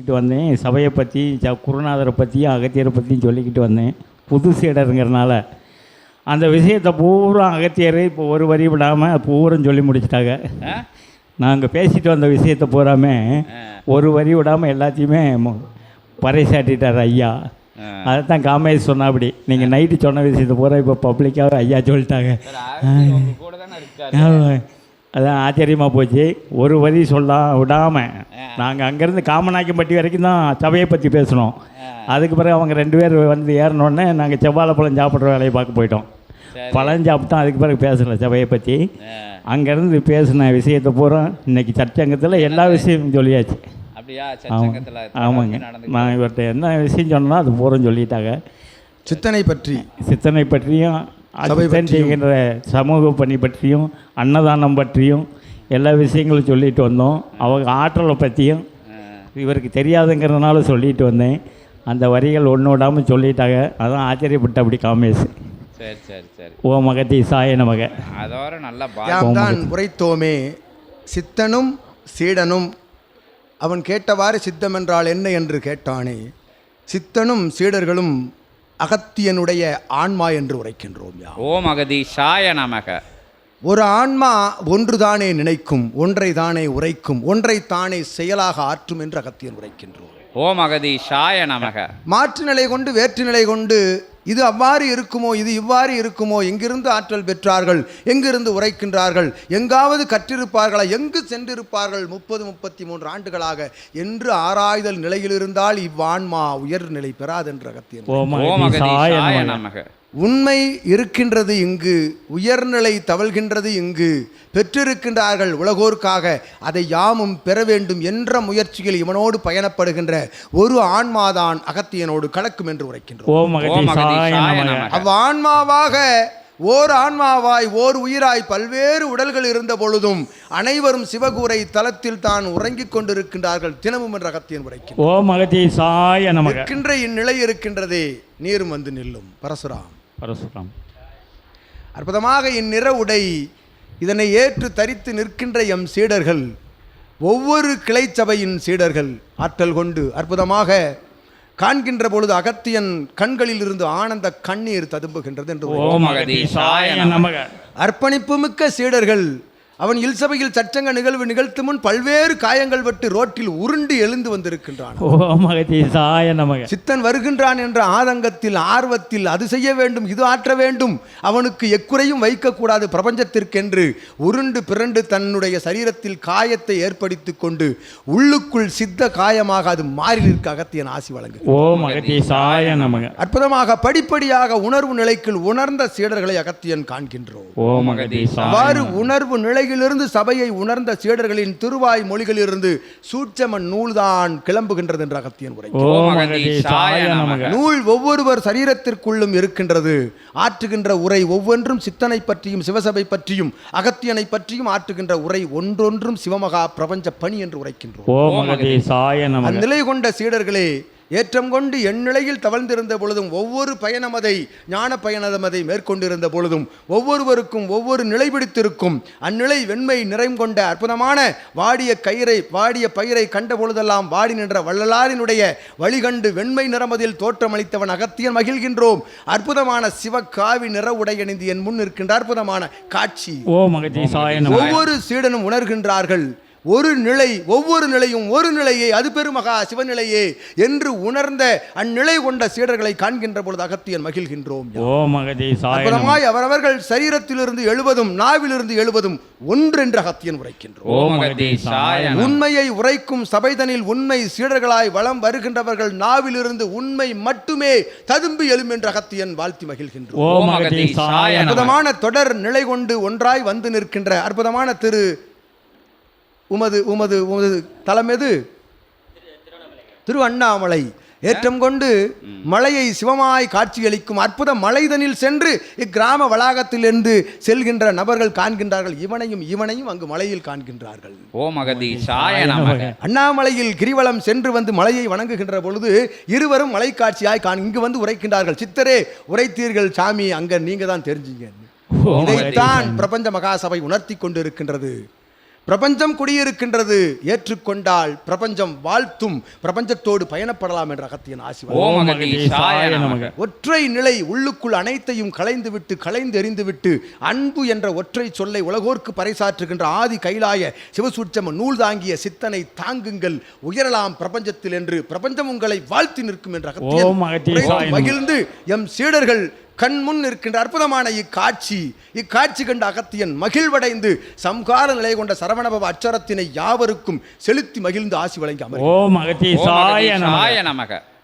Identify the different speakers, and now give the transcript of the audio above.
Speaker 1: சொல்லிக்கிட்டு வந்தேன். சபையை பற்றி, குருநாதரை பற்றியும் அகத்தியரை பற்றியும் சொல்லிக்கிட்டு வந்தேன். புது சீடருங்கிறனால அந்த விஷயத்தை பூரா அகத்தியர் இப்போ ஒரு வரி விடாமல் பூரம் சொல்லி முடிச்சிட்டாங்க. நாங்கள் பேசிட்டு வந்த விஷயத்தை பூராமே ஒரு வரி விடாமல் எல்லாத்தையுமே பறைசாட்டிட்டார் ஐயா. அதைத்தான் காமேஷ் சொன்னா. அப்படி நீங்கள் நைட்டு சொன்ன விஷயத்தை பூரா இப்போ பப்ளிக்காக ஐயா சொல்லிட்டாங்க. அதான் ஆச்சரியமாக போச்சு. ஒரு வரி சொல்ல விடாமல் நாங்கள் அங்கேருந்து காமநாயக்கம்பட்டி வரைக்கும் தான் சபையை பற்றி பேசினோம். அதுக்கு பிறகு அவங்க 2 பேர் வந்து ஏறினோடனே நாங்கள் செவ்வாழை பழம் சாப்பிட்ற வேலையை பார்க்க போயிட்டோம். பழம் சாப்பிட்டோம். அதுக்கு பிறகு பேசலை சபையை பற்றி. அங்கேருந்து பேசின விஷயத்தை பூரா இன்றைக்கி சர்ச்சங்கத்தில் எல்லா விஷயமும் சொல்லியாச்சு. ஆமாங்க. நான் இவர்கிட்ட என்ன விஷயம் சொன்னோன்னா அது பூரா சொல்லிட்டாங்க. சித்தனை பற்றியும் சித்தன் செய்கின்ற சமூக பணி பற்றியும் அன்னதானம் பற்றியும் எல்லா விஷயங்களும் சொல்லிட்டு வந்தோம். அவங்க ஆற்றலை பற்றியும் இவருக்கு தெரியாதுங்கிறதுனால சொல்லிட்டு வந்தேன். அந்த வரிகள் ஒன்று விடாமல் சொல்லிட்டாங்க. அதான் ஆச்சரியப்பட்ட அப்படி காமேஷ். சரி. ஓ மகதி சாய நமக.
Speaker 2: அதோட நல்லா தான் உரைத்தோமே. சித்தனும் சீடனும் அவன் கேட்டவாறு சித்தம் என்றால் என்ன என்று கேட்டானே. சித்தனும் சீடர்களும் அகத்தியனுடைய ஆன்மா என்று உரைக்கின்றோம்.
Speaker 3: ஓம் அகதீஷாய நமக.
Speaker 2: ஒரு ஆன்மா ஒன்றுதானே நினைக்கும், ஒன்றை தானே உரைக்கும், ஒன்றை தானே செயலாக ஆற்றும் என்று அகத்தியன் உரைக்கின்றோம்.
Speaker 3: ஓம் அகதீஷாய நமக.
Speaker 2: மாற்று நிலை கொண்டு வேற்று நிலை கொண்டு இது அவ்வாறு இருக்குமோ, இது இவ்வாறு இருக்குமோ, எங்கிருந்து ஆற்றல் பெற்றார்கள், எங்கிருந்து உரைக்கின்றார்கள், எங்காவது கற்றிருப்பார்களா, எங்கு சென்றிருப்பார்கள் 30-33 ஆண்டுகளாக என்று ஆராய்தல் நிலையில் இருந்தால் இவ்வான்மா உயர்நிலை பெறாதென்று அகத்தியன். உண்மை இருக்கின்றது இங்கு, உயர்நிலை தவழ்கின்றது இங்கு, பெற்றிருக்கின்றார்கள் உலகோர்க்காக, அதை யாமும் பெற வேண்டும் என்ற முயற்சியில் இவனோடு பயணப்படுகின்ற ஒரு ஆன்மாதான் அகத்தியனோடு கலக்கும் என்று உரைக்கின்றோம். அவ்வான்மாவாக ஓர் ஆன்மாவாய் ஓர் உயிராய் பல்வேறு உடல்கள் இருந்த பொழுதும் அனைவரும் சிவகூரை தலத்தில் தான் உறங்கிக் கொண்டிருக்கின்றார்கள் தினமும் என்ற அகத்தியன் உரைக்கின்ற இந்நிலை இருக்கின்றதே. நீரும் வந்து நில்லும். பரசுராம் அற்புதமாக இந்நிற உடை இதனை ஏற்று தரித்து நிற்கின்ற எம் சீடர்கள், ஒவ்வொரு கிளை சபையின் சீடர்கள் ஆற்றல் கொண்டு அற்புதமாக காண்கின்ற பொழுது அகத்தியன் கண்களில் இருந்து ஆனந்த கண்ணீர் ததும்புகின்றது என்று. அர்ப்பணிப்பு மிக்க சீடர்கள் அவன் இல்சபையில் சச்சங்க நிகழ்வு நிகழ்த்து முன் பல்வேறு காயங்கள் பட்டு ரோட்டில் உருண்டு எழுந்து வந்திருக்கின்றான். சித்தன் வருகின்றான் என்ற ஆதங்கத்தில் ஆர்வத்தில் அது செய்ய வேண்டும், இது ஆற்ற வேண்டும், அவனுக்கு எக்குறையும் வைக்கக்கூடாது பிரபஞ்சத்திற்கென்று உருண்டு பிறண்டு தன்னுடைய சரீரத்தில் காயத்தை ஏற்படுத்தி கொண்டு உள்ளுக்குள் சித்த காயமாக அது மாறி நிற்க அகத்தியன் ஆசி வழங்கு. அற்புதமாக படிப்படியாக உணர்வு நிலைக்குள் உணர்ந்த சீடர்களை அகத்தியன் காண்கின்றோம். அவ்வாறு உணர்வு நிலை இருந்து சபையை உணர்ந்த சீடர்களின் திருவாய் மொழிகளிலிருந்து சூட்சம நூல்தான் கிளம்புகின்றது என்று அகத்தியன் உரை. நூல் ஒவ்வொருவர் சரீரத்திற்குள்ளும் இருக்கின்றது. ஆற்றுகின்ற உரை ஒவ்வொன்றும் சித்தனை பற்றியும் சிவசபை பற்றியும் அகத்தியனை பற்றியும் ஆற்றுகின்ற உரை ஒன்றொன்றும் சிவமகா பிரபஞ்ச பணி என்று உரைக்கின்றோம். அந்நிலை கொண்ட சீடர்களே ஏற்றம் கொண்டு எந்நிலையில் தவழ்ந்திருந்த பொழுதும் ஒவ்வொரு பயணமதை ஞான பயணமதை மேற்கொண்டிருந்த பொழுதும் ஒவ்வொருவருக்கும் ஒவ்வொரு நிலை பிடித்திருக்கும். அந்நிலை வெண்மை நிறைம் கொண்ட அற்புதமான வாடிய பயிரை கண்ட பொழுதெல்லாம் வாடி நின்ற வள்ளலாரினுடைய வழிகண்டு வெண்மை நிறமதில் தோற்றமளித்தவன் அகத்தியன் மகிழ்கின்றோம். அற்புதமான சிவகாவி நிற உடையணிந்து என் முன் இருக்கின்ற அற்புதமான காட்சி ஒவ்வொரு சீடனும் உணர்கின்றார்கள். ஒரு நிலை, ஒவ்வொரு நிலையும் ஒரு நிலையே, அது பெருமகா சிவநிலையே என்று உணர்ந்த அந்நிலை கொண்ட சீடர்களை காண்கின்ற பொழுது அகத்தியன் மகிழ்கின்றோம். அற்புதமாய் அவரவர்கள் சரீரத்திலிருந்து எழுவதும் நாவிலிருந்து எழுவதும் ஒன்றென்று அகத்தியன் உரைக்கின்றோம். உண்மையை உரைக்கும் சபைதனில் உண்மை சீடர்களாய் வலம் வருகின்றவர்கள் நாவிலிருந்து உண்மை மட்டுமே ததும்பி எழும் என்று அகத்தியன் வாழ்த்தி மகிழ்கின்றோம். அற்புதமான தொடர் நிலை கொண்டு ஒன்றாய் வந்து நிற்கின்ற அற்புதமான உமது தலம் எது? திரு அண்ணாமலை. ஏற்றம் கொண்டு மலையை சிவமாய் காட்சியளிக்கும் அற்புத மலைதனில் சென்று இக்கிராம வளாகத்திலிருந்து செல்கின்ற நபர்கள் காண்கின்றார்கள். இவனையும் அங்கு மலையில் காண்கின்றார்கள். அண்ணாமலையில் கிரிவலம் சென்று வந்து மலையை வணங்குகின்ற பொழுது இருவரும் மலை காட்சியாய் இங்கு வந்து உரைக்கின்றார்கள். சித்தரே உரைத்தீர்கள் சாமி, அங்க நீங்க தான் தெரிஞ்சீங்க. இதைத்தான் பிரபஞ்ச மகாசபை உணர்த்தி கொண்டிருக்கின்றது. பிரபஞ்சம் குடியிருக்கின்றது, ஏற்றுக்கொண்டால் பிரபஞ்சம் வாழ்த்தும், பிரபஞ்சத்தோடு பயணப்படலாம் என்ற அகத்தியன் ஆசி வழங்கும்.
Speaker 3: ஓம் அகதீஷாய நமக.
Speaker 2: ஒற்றை நிலை உள்ளுக்குள் அனைத்தையும் களைந்து எறிந்துவிட்டு அன்பு என்ற ஒற்றை சொல்லை உலகோர்க்கு பறைசாற்றுகின்ற ஆதி கைலாய சிவசூட்சம நூல் தாங்கிய சித்தனை தாங்குங்கள், உயரலாம் பிரபஞ்சத்தில் என்று பிரபஞ்சம் உங்களை வாழ்த்தி நிற்கும் என்ற அகத்தியன் மகிழ்ந்து எம் சீடர்கள் கண் முன் இருக்கின்ற அற்புதமான இக்காட்சி கண்ட அகத்தியன் மகிழ்வடைந்து சம்கார நிலை கொண்ட சரவணபவ அச்சரத்தினை யாவருக்கும் செலுத்தி மகிழ்ந்து ஆசி வழங்கி அமர்.
Speaker 3: ஓம் அகதீஷாய நமக.